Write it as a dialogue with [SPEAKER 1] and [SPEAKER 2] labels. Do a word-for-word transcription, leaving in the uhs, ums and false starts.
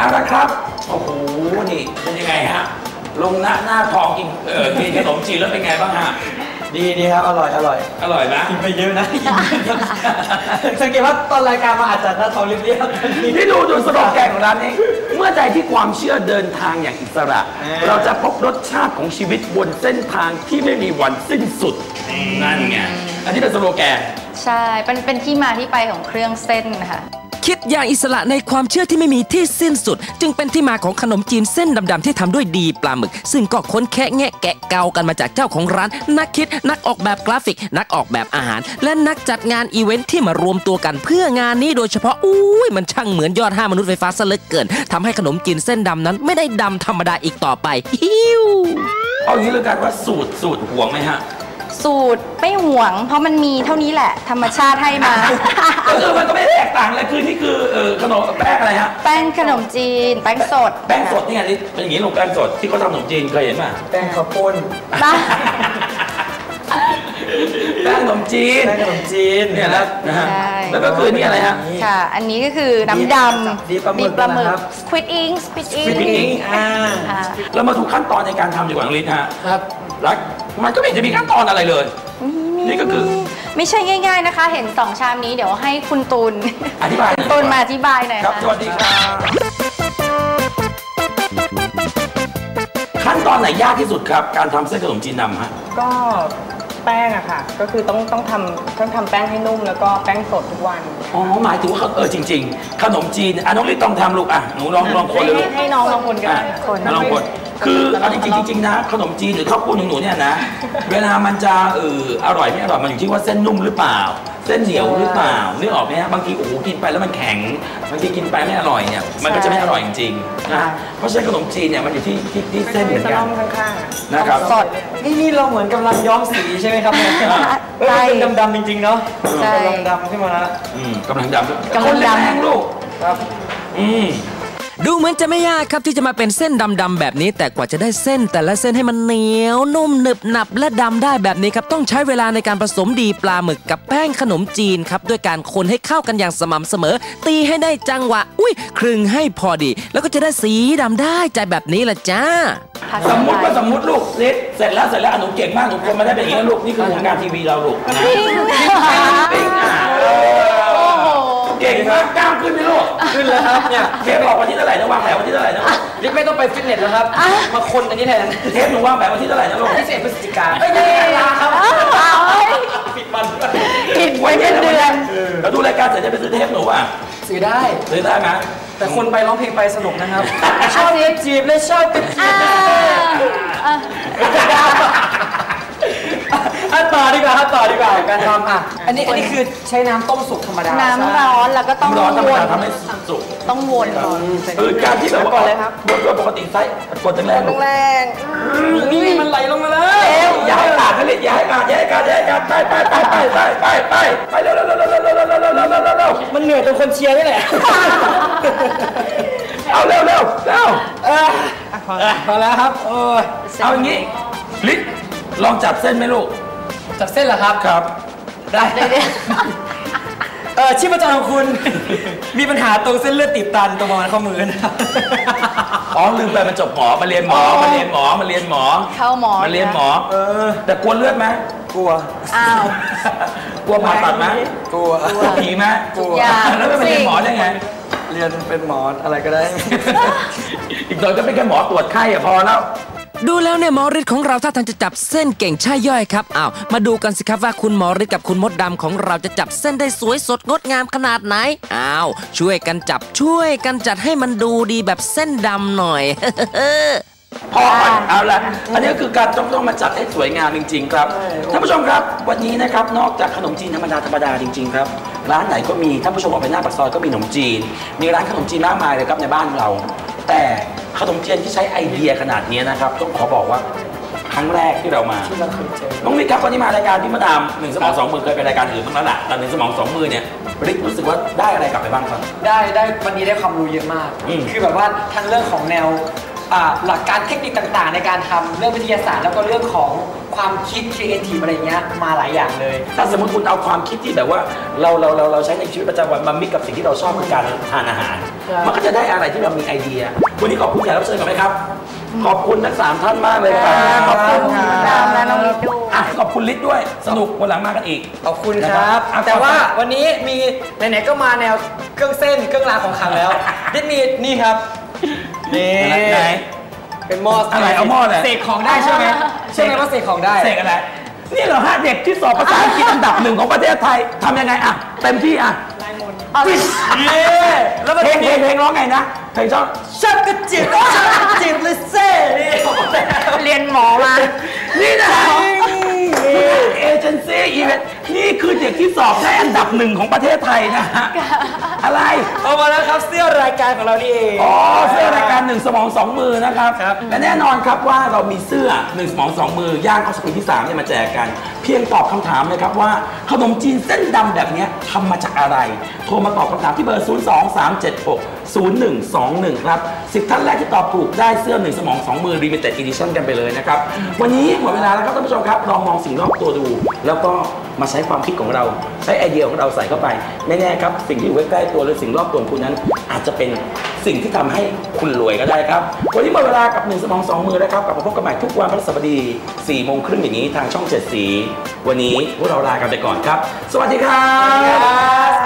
[SPEAKER 1] ละครับโอ้โหนี่เป็นยังไงฮะลงหน้าหน้าทองกินเออกินขนมจีนแล้วเป็นไงบ้างฮะ
[SPEAKER 2] ดีดีครับอร่อยอร่อย
[SPEAKER 1] อร่อยนะ
[SPEAKER 2] กินไปเยอะนะสังเกตว่าตอนรายการมาอาจจะหน้าทองเรียบๆ
[SPEAKER 1] ที่ดูดูสโลแกนของร้านนี้เมื่อใดที่ความเชื่อเดินทางอย่างอิสระเราจะพบรสชาติของชีวิตบนเส้นทางที่ไม่มีวันสิ้นสุดนั่นไงอันนี้เป็นสโลแกน
[SPEAKER 3] ใช่เป็นเป็นที่มาที่ไปของเครื่องเส้นค่ะ
[SPEAKER 4] คิดอย่างอิสระในความเชื่อที่ไม่มีที่สิ้นสุดจึงเป็นที่มาของขนมจีนเส้นดำๆที่ทำด้วยดีปลาหมึกซึ่งก็ค้นแคะแงะแกะเกากันมาจากเจ้าของร้านนักคิดนักออกแบบกราฟิกนักออกแบบอาหารและนักจัดงานอีเวนท์ที่มารวมตัวกันเพื่องานนี้โดยเฉพาะอุ้ยมันช่างเหมือนยอดห้ามนุษย์ไฟฟ้าซะเหลือเกินทำให้ขนมจีนเส้นดำนั้นไม่ได้ดำธรรมดาอีกต่อไปฮิว
[SPEAKER 1] เอางี้เลยกันว่าสูตรสูตรห่วงไหมฮะ
[SPEAKER 3] สูตรไม่ห่วงเพราะมันมีเท่านี้แหละธรรมชาติให้มา
[SPEAKER 1] ก็คือมันก็ไม่แตกต่างเลยคือนี่คือขนมแป้งอะไรฮะ
[SPEAKER 3] แป้งขนมจีนแป้งสด
[SPEAKER 1] แป้งสดนี่ไงเป็นอย่างนี้ลงแป้งสดที่เขาทำขนมจีนเคยเห็นไหม
[SPEAKER 2] แป้งข้าวปุ้น
[SPEAKER 1] แป้งขนมจีน
[SPEAKER 2] แป้งขนมจีน
[SPEAKER 1] เนี่ยนะนะฮะแล้วก็คือนี่อะไรฮะ
[SPEAKER 3] ค่ะอันนี้ก็คือน้ำดำ
[SPEAKER 2] ดีปลาหมึกนะครับ
[SPEAKER 3] Squid Ink Squid
[SPEAKER 1] Ink
[SPEAKER 2] อ่า
[SPEAKER 1] เรามาดูขั้นตอนในการทำดีกว่าน้องฤทธิ์ฮะ
[SPEAKER 2] ครับ
[SPEAKER 1] แล้วมันก็ไม่จะมีขั้นตอนอะไรเลยนี่ก็คือ
[SPEAKER 3] ไม่ใช่ง่ายๆนะคะเห็นสองชามนี้เดี๋ยวให้คุณตูน
[SPEAKER 1] อธิบาย
[SPEAKER 3] ตูนมาอธิบายหน่อย
[SPEAKER 1] ครับสวัสดีครับขั้นตอนไหนยากที่สุดครับการทำเส้นขนมจีนดำฮะ
[SPEAKER 5] ก็แป้งอะค่ะก็คือต้องต้องทำต้องทำแป้งให้นุ่มแล้วก็แป้งสดทุกวัน
[SPEAKER 1] อ๋อหมายถึงว่าเออจริงๆขนมจีนอ่ะน้องฤทธิ์ต้องทำลูกอ่ะหนูลองลองคนเลยลูก
[SPEAKER 5] ให้น้องลองคนกัน
[SPEAKER 1] คนลองคนคือเอาจริงจริงๆนะขนมจีนหรือข้าวปุ้นของหนูเนี่ยนะเวลามันจะเอออร่อยไม่อร่อยมันอยู่ที่ว่าเส้นนุ่มหรือเปล่าเส้นเหนียวหรือเปล่านึกออกไหมฮะบางทีโอ้โหกินไปแล้วมันแข็งบางทีกินไปไม่อร่อยเนี่ยมันก็จะไม่อร่อยจริงๆนะเพราะฉะนั้นขนมจีนเนี่ยมันอยู่ที่ที่เส้นเหมือนกันนะครับ
[SPEAKER 2] สดนี่นี่เราเหมือนกำลังย้อมสีใช่ไหมครับเนี่ยใช่ดำๆจริงๆเนาะกำลังดำขึ้นมาแล้ว
[SPEAKER 1] กำลังดำกำลังดำลูก
[SPEAKER 2] ครับ
[SPEAKER 1] อืม
[SPEAKER 4] ดูเหมือนจะไม่ยากครับที่จะมาเป็นเส้นดำๆแบบนี้แต่กว่าจะได้เส้นแต่ละเส้นให้มันเหนียวนุ่มหนึบหนับและดำได้แบบนี้ครับต้องใช้เวลาในการผสมดีปลาหมึกกับแป้งขนมจีนครับด้วยการคนให้เข้ากันอย่างสม่ำเสมอตีให้ได้จังหวะอุ้ยครึ่งให้พอดีแล้วก็จะได้สีดำได้ใจแบบนี้ละจ้า
[SPEAKER 1] สมมติว่าสมมติลูกเล็กเสร็จแล้วเสร็จแล้วหนูเก่งมากหนูคนมาได้เป็นอย่างนี้ลูกนี่คือผลงานทีวีเราลูกนะปิ้งอ่ะเก่งมากกล้ามขึ้นไหมลูก
[SPEAKER 2] ขึ้นแล้วครับเนี่ย
[SPEAKER 1] เทปออกวันที่เท่าไหร่นะวางแผนวันที่เท่าไหร่นะ
[SPEAKER 2] ลิฟไม่ต้องไปฟิตเนสแล้วครับมาคนอันนี้แทน
[SPEAKER 1] เทปหนูวางแผนวันที่เท่าไหร่นะลูก
[SPEAKER 2] ที่สิบเอ็ดพฤศจิกายนไม่ได้ลาครับปิดมัน
[SPEAKER 3] ปิดไว้เป็นเดือน
[SPEAKER 1] แล้วดูรายการเสร็จจะไปซื้อเทปหนูอ่ะ
[SPEAKER 2] ซื้อได้
[SPEAKER 1] ซื้อได้ไหม
[SPEAKER 2] แต่คนไปร้องเพลงไปสนุกนะครับชอบเล็บจีบเลยชอบเล็บจีบอ่ะต่อดีกว่าครับต่อดีกว่าการทำอ่ะอันนี้อันนี้คือใช้น้ำต้มสุกธรรมดา
[SPEAKER 3] น้ำร้อนแล้วก็ต้อง
[SPEAKER 1] ร้อนธรรมดาทำให้สุก
[SPEAKER 3] ต้องวนก่อน
[SPEAKER 1] คือการที่แบบว่าโดยปกติไส้กดแรง
[SPEAKER 3] แรง
[SPEAKER 2] นี่มันไหลลงมาแล้ว
[SPEAKER 1] ย้ายขาดผลิตย้ายขาดย้ายขาดย้ายขาดไปไปไปไปไปไปไปไปเร็วเร็วเร็วเร็วเร็วเร็วเร็วเร็วเร็วเร็ว
[SPEAKER 2] มันเหนื่อยตรงคนเชียร์นี่แหละ
[SPEAKER 1] เอาเร็วเร็วเร็ว
[SPEAKER 2] พอแล้วครับโอ้ย
[SPEAKER 1] เอาอย่างนี้ลิศลองจับเส้นไหมลูก
[SPEAKER 2] จับเส้นเหรอครับ
[SPEAKER 1] ครับ
[SPEAKER 2] ได้เออชีพจรของคุณมีปัญหาตรงเส้นเลือดตีบตันตรงประมาณข้อมือนะ
[SPEAKER 1] อ๋อลืมไปมันจบหมอมาเรียนหมอมาเรียนหมอมาเรียนหมอ
[SPEAKER 3] เข้าหมอ
[SPEAKER 1] มาเรียนหมอ
[SPEAKER 2] เออ
[SPEAKER 1] แต่กลัวเลือดไหม
[SPEAKER 2] กลัว
[SPEAKER 3] อ้าว
[SPEAKER 1] กลัวผ่าตัดไหม
[SPEAKER 2] กลัว
[SPEAKER 1] กลัวผีไหม
[SPEAKER 2] กลัว
[SPEAKER 1] แล้วไม่ไปเรียนหมอได้ไง
[SPEAKER 2] เรียนเป็นหมออะไรก็ได้
[SPEAKER 1] อีกหน่อยก็เป็นแค่หมอตรวจไข้อะพอแล้ว
[SPEAKER 4] ดูแล้วเนี่ยหมอฤทธิ์ของเราถ้าทางจะจับเส้นเก่งใช่ย่อยครับอ้าวมาดูกันสิครับว่าคุณหมอฤทธิ์กับคุณมดดำของเราจะจับเส้นได้สวยสดงดงามขนาดไหนอ้าวช่วยกันจับช่วยกันจัดให้มันดูดีแบบเส้นดำหน่อย
[SPEAKER 1] พอเอาละอันนี้ก็คือการต้องต้องมาจัดให้สวยงามจริงๆครับท่านผู้ชมครับวันนี้นะครับนอกจากขนมจีนธรรมดาธรรมดาจริงๆครับร้านไหนก็มีท่านผู้ชมออกไปหน้าปากซอยก็มีขนมจีนมีร้านขนมจีนมากมายเลยครับในบ้านเราแต่ขนมจีนที่ใช้ไอเดียขนาดนี้นะครับต้องขอบอกว่าครั้งแรกที่เรามาน้องฤทธิ์ครับวันนี้มารายการพี่มาดามหนึ่งสมองสองมือเคยไปรายการอื่นบ้างแล้วล่ะแต่หนึ่งสมองสองมือเนี่ยฤทธิ์รู้สึกว่าได้อะไรกลับไปบ้างครับ
[SPEAKER 2] ได้ได้วันนี้ได้ความรู้เยอะมากคือแบบว่าทั้งเรื่องของแนวอ่าหลักการเทคนิคต่างๆ ในการทำเรื่องวิทยาศาสตร์แล้วก็เรื่องของความคิดครีเอทีฟอะไรเงี้ยมาหลายอย่างเลย
[SPEAKER 1] ถ้าสมมติคุณเอาความคิดที่แบบว่าเราเราเราเราใช้ในชีวิตประจำวันมามิกกับสิ่งที่เราชอบคือการทานอาหารมันก็จะได้อะไรที่เรามีไอเดียวันนี้ขอบคุณแขกรับเชิญก่อนไหมครับขอบคุณทั้งสามท่านมากเลยครับขอบคุณครับ
[SPEAKER 3] และน้องลิศด้วย
[SPEAKER 1] ขอบคุณลิศด้วยสนุกวันหลังมากันอีก
[SPEAKER 2] ขอบคุณครับแต่ว่าวันนี้มีไหนๆก็มาแนวเครื่องเส้นเครื่องรางของขลังแล้วลิศมีนี่ครับนี่
[SPEAKER 1] ไหน
[SPEAKER 2] เป็นหม้อ
[SPEAKER 1] อะไรเอาหม้อเลย
[SPEAKER 2] เสกของได้ใช่ไหมใช่ไหมว่าเสกของได้
[SPEAKER 1] เสกอะไรนี่เหรอฮะเด็กที่สอบภาษาอังกฤษอันดับหนึ่งของประเทศไทยทำยังไงอ่ะเต็มที่อ่ะเย้แล้วเพลงเพลงเพลงร้องไงนะเพลงชอบ
[SPEAKER 2] ชักกระจิบชักกระจิบเลยเซ่
[SPEAKER 3] เรียนหมอมา
[SPEAKER 1] นี่นะเอเจนซี่อีเวนต์นี่คือเด็กที่สอบได้อันดับหนึ่งของประเทศไทยนะฮะอะไร
[SPEAKER 2] เอามาแล้วครับเสื้อรายการของเรานี่เอง
[SPEAKER 1] อ๋อเสื้อรายการหนึ่งสมองสองมือนะครับและแน่นอนครับว่าเรามีเสื้อหนึ่งสมองสองมือย่างเข้าสู่ปีที่สามเนี่ยมาแจกกันเพียงตอบคำถามเลยครับว่าขนมจีนเส้นดำแบบนี้ทำมาจากอะไรโทรมาตอบคำถามที่เบอร์ศูนย์ สอง สาม เจ็ด หก ศูนย์ หนึ่ง สอง หนึ่งครับสิบท่านแรกที่ตอบถูกได้เสื้อหนึ่งสมองสองมือ Limited Edition กันไปเลยนะครับวันนี้หมดเวลาแล้วครับท่านผู้ชมครับลองมองสิ่งรอบตัวดูแล้วก็มาใช้ความคิดของเราใช้ไอเดียของเราใส่เข้าไปไม่แน่ครับสิ่งที่อยู่ใกล้ๆตัวหรือสิ่งรอบตัวคุณนั้นอาจจะเป็นสิ่งที่ทำให้คุณรวยก็ได้ครับวันนี้หมดเวลากับหนึ่งสมองสองมือแล้วครับกลับมาพบกันใหม่ทุกวันพฤหัสบดีสี่โมงครึ่งอย่างนี้ทางช่องเจ็ดสีวันนี้พวกเราลากันไปก่อนครับสวัสดีครับ